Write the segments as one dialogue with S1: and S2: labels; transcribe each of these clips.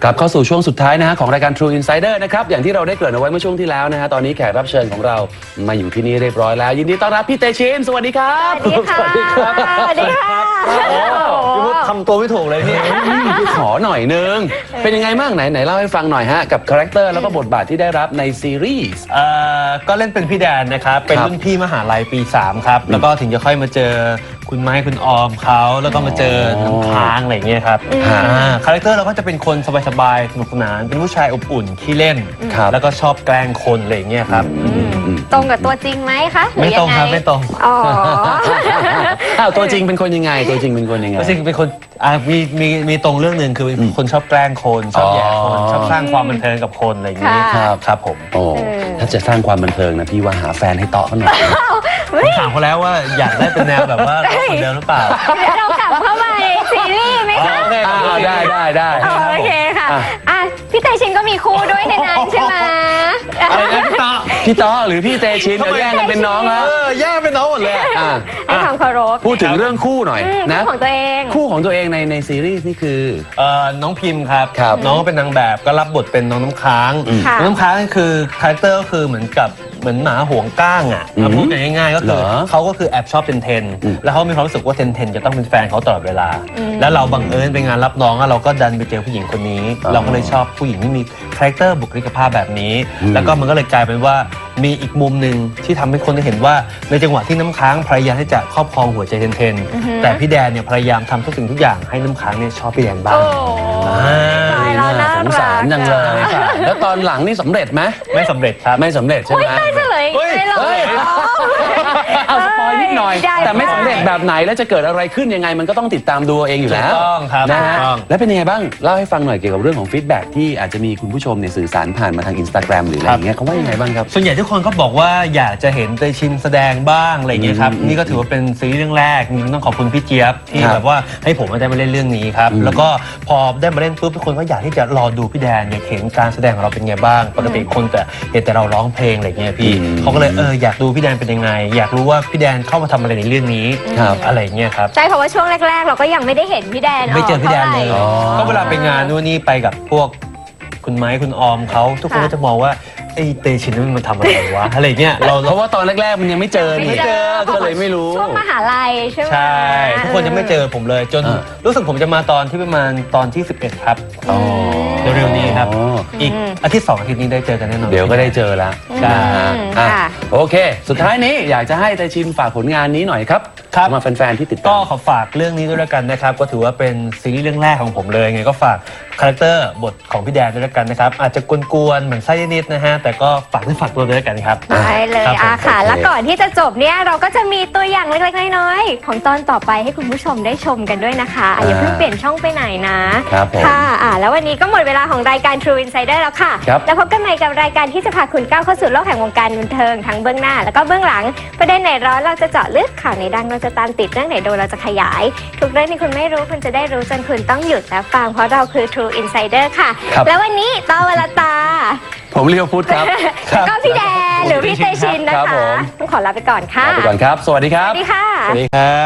S1: กลับเข้าสู่ช่วงสุดท้ายนะฮะของรายการ True Insider นะครับอย่างที่เราได้เกริ่นเอาไว้เมื่อช่วงที่แล้วนะฮะตอนนี้แขกรับเชิญของเรามาอยู่ที่นี่เรียบร้อยแล้วยินดีต้อนรับพี่เตชินสวัสดีครับ
S2: สวัสดีค่ะสวัสดีค่ะ
S3: พี่พุทธทำตัวไม่ถูกเลยพี่
S1: ขอหน่อยนึงเป็นยังไงบ้างไหนเล่าให้ฟังหน่อยฮะกับคาแรคเตอร์แล้วก็บทบาทที่ได้รับในซีรีส์
S3: ก็เล่นเป็นพี่แดนนะครับเป็นรุ่นพี่มหาลัยปี 3 ครับแล้วก็ถึงจะค่อยมาเจอคุณไม้คุณออมเขาแล้วก็มาเจอน้ำค้างอะไรอย่างเงี้ยครับคาแรคเตอร์เราก็จะเป็นคนสบายๆสนุกสนานเป็นผู้ชายอบอุ่นขี้เล่นแล้วก็ชอบแกล้งคนอะไรอย่างเงี้ยครับ
S2: ตรงกับตัวจริงไหมคะ
S3: ไม่ตรงครับไม่ตรง
S2: อ๋อ
S1: ตัวจริงเป็นคนยังไงตัวจริงเป็นคนยังไง
S3: ตัวจริงเป็นคนมีตรงเรื่องหนึ่งคือเป็นคนชอบแกล้งคนชอบแย่คนชอบสร้างความบันเทิงกับคนอะไรอย่างเงี้ยครับผม
S1: โอ้ถ้าจะสร้างความบันเทิงนะพี่ว่าหาแฟนให้เตาะเขาหน่อย
S3: ผมถามเขาแล้วว่าอยากได้เป็นแนวแบบว่าคนเดิมหรือเปล่า
S2: เรากลับเข้ามาในซีรีส์ไหมคะ
S1: ได้
S2: โอเคค่ะพี่เตชินก็มีคู่ด้วยในนั้นใช่ไหม
S3: อะไรนะ
S1: พี่ต๊อหรือพี่เตชินแย่งกันเป็นน้องแล้ว
S3: แย่งเป็นน้องหมดเลย
S2: ให้ความเคารพ
S1: พูดถึงเรื่องคู่หน่อยนะ
S2: คู่ของตัวเอง
S1: ในซีรีส์นี่คือ
S3: น้องพิมพ์ครับน้องเป็นนางแบบก็รับบทเป็นน้องน้ำค้างน้องน้ำค้างคือคาแรคเตอร์ก็คือเหมือนหมาห่วงก้างอ่ะพูดง่ายๆก็คือเขาก็คือแอบชอบเทนแล้วเขามีความรู้สึกว่าเทนจะต้องเป็นแฟนเขาตลอดเวลาแล้วเราบังเอิญไปงานรับน้องเราก็ดันไปเจอผู้หญิงคนนี้เราก็เลยชอบผู้หญิงที่มีคาแรคเตอร์บุคลิกภาพแบบนี้แล้วก็มันก็เลยกลายเป็นว่ามีอีกมุมหนึ่งที่ทำให้คนได้เห็นว่าในจังหวะที่น้ำค้างพยายามที่จะครอบครองหัวใจเทนแต่พี่แดนเนี่ยพยายามทำทุกสิ่งทุกอย่างให้น้ำค้างเนี่ยชอบพี่แดนบ้าง
S1: สงสารจังเลยแล้วตอนหลังนี่สำเร็จไหม
S3: ไม่สำเร็จครับ
S1: ไม่สำเร็จใช่ไหม
S2: ไม่เฉลยไม่หรอก
S1: เอาสปอยนิดหน่อยแต่ไม่สำเร็จแบบไหนแล้วจะเกิดอะไรขึ้นยังไงมันก็ต้องติดตามดูเองอยู่แล้ว
S3: ต้องครับ
S1: นะฮะแล้วเป็นยังไงบ้างเล่าให้ฟังหน่อยเกี่ยวกับเรื่องของฟีดแบ็กที่อาจจะมีคุณผู้ชมเนี่ยสื่อสารผ่านมาทาง Instagram หรืออะไรอย่างเงี้ยเขาว่ายังไงบ้างครับ
S3: ส่วนใหญ่ทุกคนก็บอกว่าอยากจะเห็นเตชินแสดงบ้างอะไรอย่างเงี้ยครับนี่ก็ถือว่าเป็นซีรีส์เรื่องแรกต้องขอบคุณพี่เจี๊ยบที่แบบว่าให้ผมได้มาเล่นเรื่องนี้ครับแล้วก็พอได้มาเล่นปุ๊บทุกคนก็อยากที่จะรอดูพี่แดนอยากเห็นการแสดงของเราเป็นไงบ้างปกติคนแต่เห็นแต่เราร้องเพลงอะไรเงี้ยพี่เขาก็เลยอยากดูพี่แดนเป็นยังไงอยากรู้ว่าพี่แดนเข้ามาทำอะไรในเรื่องนี้อะไรเงี้ยครับ
S2: ใช่เพราะว่าช่วงแรกๆเราก็ยังไม่ได้เห็นพี่แดน
S3: ไม่เจอพี่แดนเลยก็เวลาไปงานนู่นนี่ไปกับพวกคุณไม้คุณออมเขาทุกคนก็จะมองว่าไอ้เตชินมันทำอะไรวะอะไรเงี้ย
S1: เพราะว่าตอนแรกๆมันยังไม่เจอก็เลยไม่รู้
S2: ช่วงมหาลัยใช่ไหม
S3: ใช่ทุกคนยังไม่เจอผมเลยจนรู้สึกผมจะมาตอนที่ประมาณตอนที่11ครับเร็วๆนี้ครับอีกอาทิตย์2 อาทิตย์นี้ได้เจอกันแน่นอน
S1: เดี๋ยวก็ได้เจอแล้วโอเคสุดท้ายนี้อยากจะให้เตชินฝากผลงานนี้หน่อยครับมาแฟนๆที่ติดตาม
S3: ก็ขอฝากเรื่องนี้ด้วยแล้วกันนะครับก็ถือว่าเป็นซีรีส์เรื่องแรกของผมเลยไงก็ฝากคาแรคเตอร์บทของพี่แดนด้วยแล้วกันนะครับอาจจะกวนๆเหมือนไส้นิดๆนะฮะแต่ก็ฝากตัวด้วยกันครับ
S2: ได้เลยค่ะแล้วก่อนที่จะจบเนี่ยเราก็จะมีตัวอย่างเล็กๆน้อยๆของตอนต่อไปให้คุณผู้ชมได้ชมกันด้วยนะคะอย่าเพิ่งเปลี่ยนช่องไปไหนนะค่ะแล้ววันนี้ก็หมดเวลาของรายการ True Insider แล้วค่ะแล้วพบกันใหม่กับรายการที่จะพาคุณก้าวเข้าสู่โลกแห่งวงการบันเทิงทั้งเบื้องหน้าแล้วก็เบื้องหลังประเด็นไหนร้อนเราจะเจาะลึกข่าวไหนดังเราจะตามติดเรื่องไหนโดนเราจะขยายทุกเรื่องที่คุณไม่รู้คุณจะได้รู้จนคุณต้องหยุดและฟังเพราะเราคือ True Insider ค่ะแล้ววันนี้ตอวลตา
S1: ผมเลียวพุทธครับ
S2: แล้วก็พี่แดนหรือพี่เตชินนะคะต้องขอลาไปก่อนค่ะ
S1: ลาไปก่อนครับสวัสดีครับ
S2: สวัสดีค่ะ
S3: สวัสดีครับ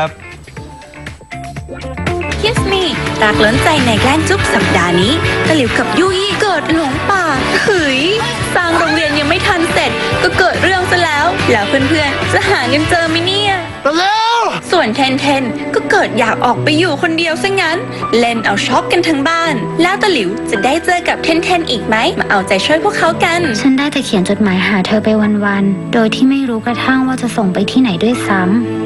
S4: Kiss Me รักล้นใจในแกล้งจุ๊บสัปดาห์นี้ตะหลิวกับยุ้ยเกิดหลงป่าเฮ้ยสร้างโรงเรียนยังไม่ทันเสร็จก็เกิดเรื่องซะแล้วเพื่อนๆจะหาเงินเจอไหมเนี่ยส่วนเทนก็เกิดอยากออกไปอยู่คนเดียวซะงั้นเล่นเอาช็อกกันทั้งบ้านแล้วตะหลิวจะได้เจอกับเทนอีกไหมมาเอาใจช่วยพวกเขากัน
S5: ฉันได้แต่เขียนจดหมายหาเธอไปวันๆโดยที่ไม่รู้กระทั่งว่าจะส่งไปที่ไหนด้วยซ้ำ